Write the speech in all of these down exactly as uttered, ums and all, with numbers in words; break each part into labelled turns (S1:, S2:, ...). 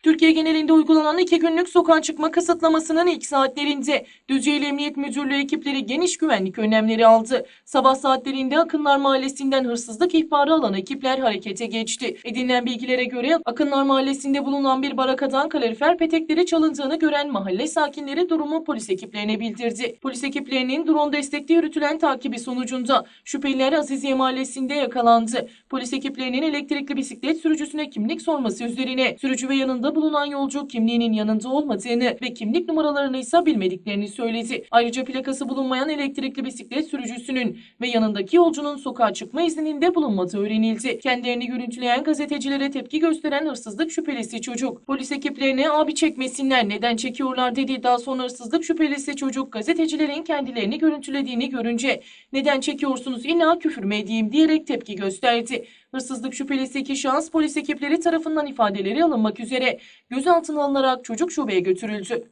S1: Türkiye genelinde uygulanan iki günlük sokağa çıkma kısıtlamasının ilk saatlerinde Düzce'li Emniyet Müdürlüğü ekipleri geniş güvenlik önlemleri aldı. Sabah saatlerinde Akınlar Mahallesi'nden hırsızlık ihbarı alan ekipler harekete geçti. Edinilen bilgilere göre Akınlar Mahallesi'nde bulunan bir barakadan kalorifer petekleri çalındığını gören mahalle sakinleri durumu polis ekiplerine bildirdi. Polis ekiplerinin drone destekli yürütülen takibi sonucunda şüpheliler Aziziye Mahallesi'nde yakalandı. Polis ekiplerinin elektrikli bisiklet sürücüsüne kimlik sorması üzerine sürücü ve yanında bulunan yolcu kimliğinin yanında olmadığını ve kimlik numaralarını ise bilmediklerini söyledi. Ayrıca plakası bulunmayan elektrikli bisiklet sürücüsünün ve yanındaki yolcunun sokağa çıkma izninde bulunmadığı öğrenildi. Kendilerini görüntüleyen gazetecilere tepki gösteren hırsızlık şüphelisi çocuk polis ekiplerine abi çekmesinler neden çekiyorlar dedi. Daha sonra hırsızlık şüphelisi çocuk gazetecilerin kendilerini görüntülediğini görünce neden çekiyorsunuz illa küfür mü edeyim diyerek tepki gösterdi. Hırsızlık şüphelisi iki şahıs polis ekipleri tarafından ifadeleri alınmak üzere gözaltına alınarak çocuk şubeye götürüldü.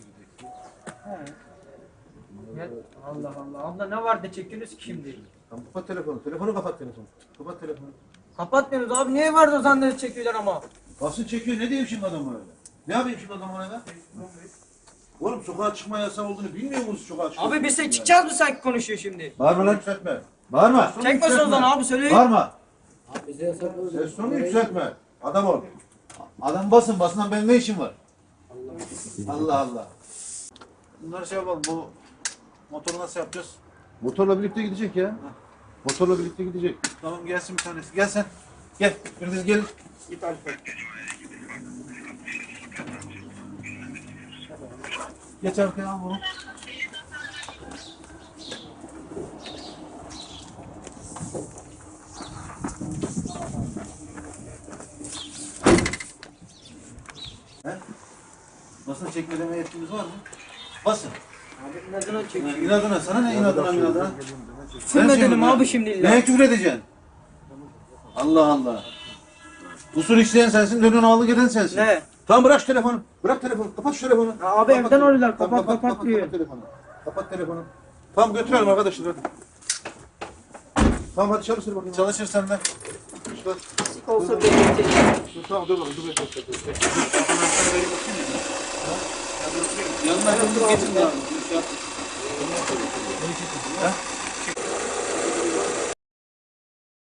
S2: Ya, Allah Allah. Abla ne var da çekiyorsunuz ki şimdi?
S3: Tamam, kapat telefonu. Telefonu kapat telefonu. Kapat telefonu.
S2: Kapatmıyoruz abi. Niye var da sandalye çekiyorlar ama?
S3: Basın çekiyor. Ne diyeyim şimdi adamı öyle? Ne yapayım şimdi adamı öyle? Oğlum sokağa çıkma yasağı olduğunu bilmiyor musunuz sokağa çıkma?
S2: Abi biz de çıkacağız mı sanki konuşuyor şimdi?
S3: Bağırma lan yükseltme. Bağırma.
S2: Çekmesin o zaman abi söyleyin.
S3: Bağırma. Ses tonu yükseltme. Adam ol. Adam basın. Basından benim ne işim var? Allah Allah. Bunları şey yapalım. Bu motoru nasıl yapacağız? Motorla birlikte gidecek ya. Motorla birlikte gidecek. Tamam gelsin bir tanesi. Gel sen. Gel. Biriniz gelin. Git Alfa. Geç arkaya al bunu. He? Basın çekme deme yetkimiz var mı? Basın.
S2: Abi inadına çekiyor.
S3: Ha, İnadına sana ne inadına inadına?
S2: Küfür edelim abi şimdi illa.
S3: Neye küfür edeceksin? Allah Allah. Usul işleyen sensin, dönün ağlı gelen sensin.
S2: Ne?
S3: Tamam bırak şu telefonu. Bırak telefonu. Kapat şu telefonu.
S2: Ya abi
S3: Kapat,
S2: evden arıyorlar.
S3: Tamam,
S2: Kapat kapat diyor.
S3: Kapat telefonu. Kapat telefonu. Tamam götürelim arkadaşlar hadi. Tamam hadi çalışır bakayım. Çalışır sen de. Şurada.
S2: Sık olsa bekleyecek.
S3: Dur, tamam dur bakalım. Dur bekle. Yanına yakın geçin ya. Ha?